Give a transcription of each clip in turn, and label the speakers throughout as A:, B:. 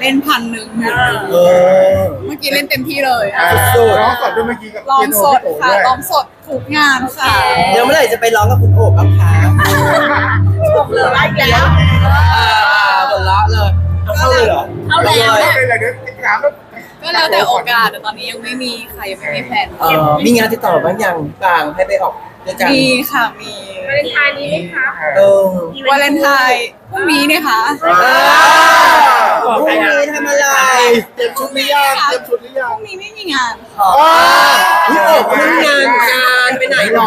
A: เล่น1,000
B: เออ
A: เมื่อกี้เล่นเต็มที่เลย
B: สุด
C: ร้องสดด้วยเมื่อกี้กับ
A: ร้องสด
C: เปียโน
A: ค่ะ
C: พี่โอ๋ด้วย
A: ร้องสดทุกงานค่ะ
B: เดี๋ยวเมื่อไหร่จะไปร้องกับคุณโอบบ้างคะ
A: เหลืออีกแล้ว
B: หมดละเลยเอาเข้าเลยเหรอ
A: เอาแล้ว
C: ไม่เป็นไรเดี๋ยวถามแล้ว
A: ก็แล้วแต่โอกาสแต่ตอนนี้ยังไม่มีใครยังไม่มีแผน
B: มีงานติดต่อบ้างยังบางให้ไปออกด้วยกัน
A: มีค่ะมี
D: วาเลนไทน์นี้ไหมคะ
B: เออ
A: วาเลนไทน์พรุ่งนี้เนี่ยค่ะ
B: พรุ่งนี้ทำอะไร
C: เตรียมชุดหรือยังเตรียมชุดหรือยั
A: พ
C: ง
A: รุ่งนี้ไม่มีงาน
B: พี่โอบทำงานไปไหนหรอ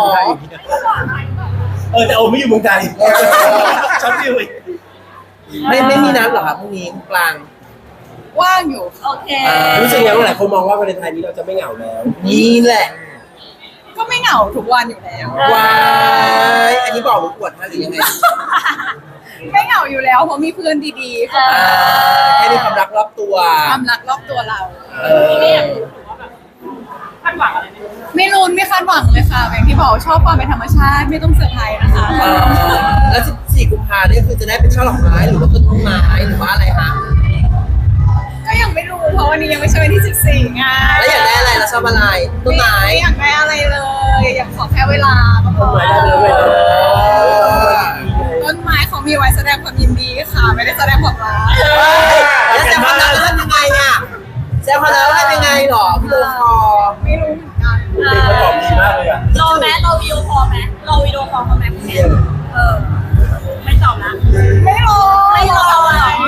E: แต่โอไม่อยู่เมืองไทยชอบฟิวอีก
B: ไม่มีนัดเหรอครับพรุ่งนี้กลาง
A: ว่างอยู่
D: โอเค
E: รู้สึกยังไงหลายคนมองว่าวาเลนไทน์นี้เราจะไม่เหงาแล้ว
B: นี่แหละ
A: ก็ไม่เหงาทุกวันอยู่แล้ว
B: วายอันนี้บอกหรือปวดฮะหรือยังไง
A: ไม่เหงาอยู่แล้วเพราะมีเพื่อนดีๆค่ะ
B: แค่มีความรักรอบตัว
A: ความรักรอบตัวเรา
D: คาดหวังอะไรไหม
A: ไม่รุนไม่คาดหวังเลยค่ะอย่างที่บอกชอบความเป็นธรรมชาติไม่ต้องเซอร์ไพรส์นะคะ
B: แล้ว14 กุมภาเนี่ยคือจะได้เป็นช่อดอกไม้หรือว่าต้นไม้หรือว่าอะไรคะ
A: ก็ยังไม่รู้เพราะวันนี้ยังไม่ใช่วันที่14ไง
B: แล้วอยากได้อะไรแล้วชอบอะไรต้นไม้
A: ไม่อยากได้อะไรเลยอยากขอแค่เวลาก็พอ ต้นไม้เขามีไว้แสดงความยินดีค่ะไม่ได้แสดงความรัก
B: แล้วแซมพอแล้วทำยังไงอ่ะแซมพอแล้วทำยังไงหรอพี่โลคอ
A: ไม่รู้เหมือนกัน
E: เด็กมันตอบดีมากเลยอ่ะ
D: รอไหมรอวิดีโอคอลไหมรอวิดีโอคอลเขาไหมคุณเนี่ยไม่ตอบนะ
A: ไม่รอ
D: ไม่รอหรอ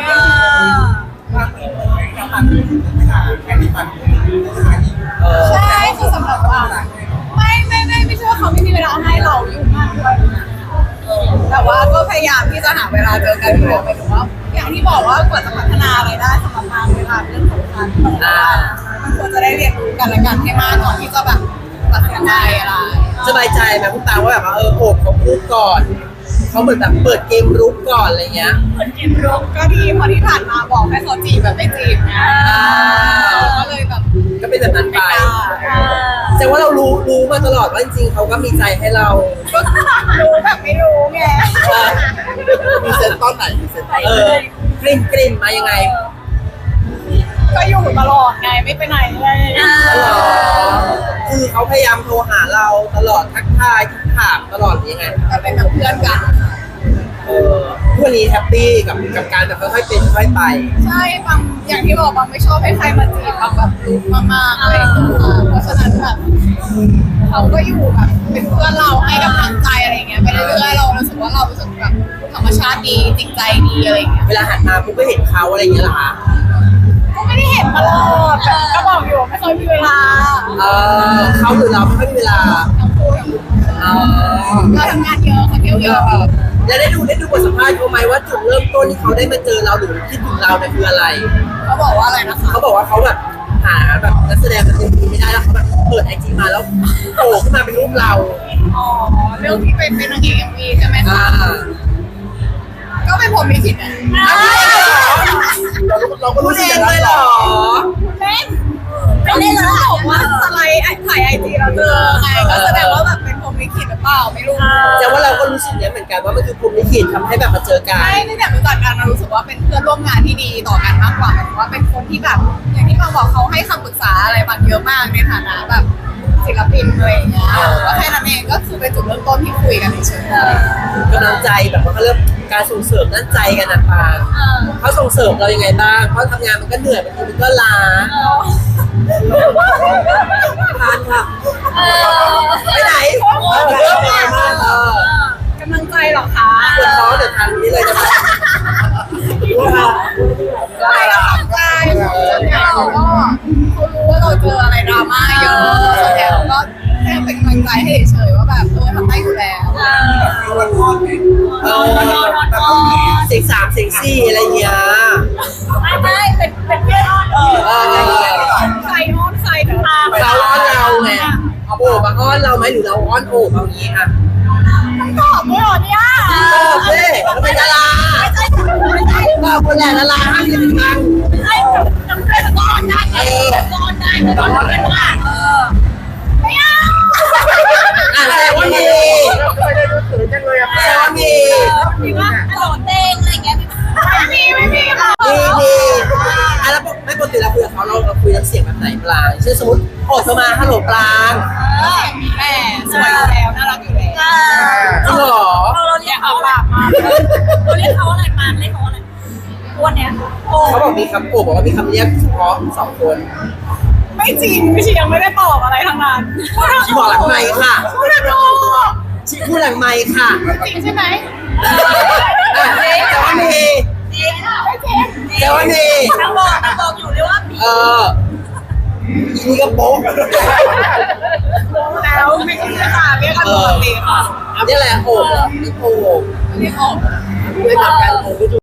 A: ใช่คือสำหรับว่าไม่ใช่ว่าเขาไม่มีเวลาให้เรายุ่งมากด้วยแต่ว่าก็พยายามที่จะหาเวลาเจอกันอยู่หมายถึงว่าอย่างที่บอกว่ากว่าจะพัฒนาอะไรได้สำหรับงานเวลาเรื่องสำคัญมันควรจะได้เรียนรู้กันและกันให้มากก่อนที่จะแบบตัดสินใจอะไร
B: สบายใจไหมคุณตาว่าแบบว่าโอบเขาพูดก่อนเขาเหมือนแบบเปิดเกมรุกก่อนอะไรเงี้ย
A: คนเก็บรกก็ดีเพราะที่ผ่านมาบอกให้เขาจีบแบบไม่จีบไงก็เลยแบบ
B: ก็เป็นแบบนั้นไป
A: ไม่กล้า
B: แต่ว่าเรารู้มาตลอดว่าจริงๆเขาก็มีใจให้เรา
A: ก็รู้แบบไม่รู้ไง
C: มีเซนตอนไหนมีเซนตอนไหน
B: กลิ่นมายังไง
A: ก็อยู่ตลอดไงไม่ไปไหนเลย
B: คือเขาพยายามโทรหาเราตลอดทักทายทักถามตลอดยังไง
A: ก็เป็นแบบเพื่อนกัน
B: ทุกวันนี้แฮปปี้กับการแบบค่อยๆเป็นค่อยๆไป
A: ใช่บางอย่างที่บอกบางไม่ชอบให้ใครมาจีบบางแบบรู้มากๆอะไรอย่างเงี้ยเพราะฉะนั้นแบบเขาก็อยู่แบบเป็นเพื่อนเราให้กำลังใจอะไรเงี้ยไปเรื่อยๆเรารู้สึกว่าเรารู้สึกแบบธรรมชาติดีจริงใจดีอะไรเงี้ย
B: เวลาหันมาปุ๊บก็เห็นเขาอะไรอย่างเงี้ยเหรอคะ
A: ก็ไม่ได้เห็นตลอดแต่ก็บอกอยู่ไม่เคยมีเวลา
B: เขาหรือเราไม่ค่อยมีเวลา
A: ทั้งคู่เราทำงานเยอะเขาเที่ยวเยอะ
B: แล้วได้ดูบทสัมภาษณ์เขาไหมว่าจุดเริ่มต้นที่เขาได้มาเจอเราหรือคิดถึงเราเนี่ยคืออะไร
A: เขาบอกว่าอะไรนะคะ
B: เขาบอกว่าเขาแบบหาแบบนักแสดงมาเต็มทีไม่ได้แล้วเขาแบบเปิดไอจีมาแล้วโผล่ขึ้นมาเป็นรูปเรา
A: อ๋อเรื่องที่เป็นนางเอกMVใช่ไหมคะก็เป็นผมมีผิดนะ
C: เราก็
B: พู
C: รู้
B: ด
C: สึ
B: เอก
C: อย่าง ง
B: เล
C: นั้น
B: ยเหรอ
A: เป็นไม่ได้เลยบอกว่าสไลด์ถ่ายIG เราเจอไงก็แสดงว่าแบบเป็นผมมีผิดหรือเปล่าไม่รู้
B: แต่ว่าเราก็รู้สึกเนี้ยเหมือนกันว่ามันคือภูมิลิขิตทำให้แบบมาเจอกัน
A: ไม่ได้รู้จักกันเรารู้สึกว่าเป็นเพื่อนร่วมงานที่ดีต่อกันมากกว่าหมายถึงว่าเป็นคนที่แบบอย่างที่บางบอกเขาให้คำปรึกษาอะไรบางเยอะมากในฐานะแบบศิลปินอะไรอย่างเงี้ยก็แค่นั้นเองก็คือเป็นจุดเริ่มต้นที่คุยกันเฉย
B: กำลังใจแบบว่าเขาเริ่มการส่งเสริมด้านใจกันนะปางเขาส่งเสริมเรายังไงบ้างเพราะทำงานมันก็เหนื่อยบางทีมันก็ล้าทานค่ะไปไหน
A: กำลังใจเหรอคะ
B: ปวดท้องเดี๋ยวทานนี้เลยจะมา
A: ใช่กำลังใจเราก็เขารู้ว่าเราเจออะไรดราม่าเยอะส่วนใหญ่เราก็แค่เป็นกำลังใจให้เฉยๆว่าแบบทำได้อยู่แล้ว
B: เสียง3เสียง4อะไรเงี้ย
A: ไม่เป็นเพื่อนใครอ้อนใครเดี๋ยวตาม
B: เขาอ้อนเราไงโอบมาอ้อนเราไหมหรือเราอ้อนโอบเอางี้ค่ะ
A: ตอบด้วยเหรอเนี่ย
B: ตอบเลยเราเป็นดารา
A: ไม่ใช่
B: ก็คนแหละดาราห้ามจะเป็นทาง
A: ไม่ใช่จำเป็นก่อนได้ไงก่อนได้ก่อนเป็นว่าไม่เอา
B: แสดงว่ามี
C: ไม่ได้รู้สึกจังเลยอะ
B: แสดงว่ามี
A: มีว่าตลอดเด้งอะไรเงี้ยไม่มีค่ะ
B: มีคุยน้ำเสียงแบบไหนปลางเช่นสมมติโอดมาฮัลโหลปลาง
A: แม่สวยอยู่แล้วน่ารักอยู่แล้ว
B: จริงเหรอ
D: เราเรียกเขาอะไรเราเรียกเขาอะไรมาเรียกเขาอะไรวันเนี้ยโอ้
B: เขาบอกมีคำโอบบอกว่ามีคำเรียกเฉพาะ2 คน
A: ไม่จริงพี่ชียังไม่ได้ตอบอะไรทั้งนั้น
B: ชีบอกหลังไมค์ค่ะ
A: พูดนะโ
B: ชีพูดหลังไมค์ค่ะ
A: จริงใช่ไหม
B: แต่ว่ามี
A: ไม่จริง
B: แต่ว่ามี
D: ทั้งบอกอยู่เลยว่ามี
B: อีนี่ก็โป๊ะ
A: แล้วไม่ใช่ค่ะเรียกกันปกติค่ะ
B: นี่แหละโอบนี่โอบ
A: เรียกออก
B: ไม่ทำการโอบไม่ถูก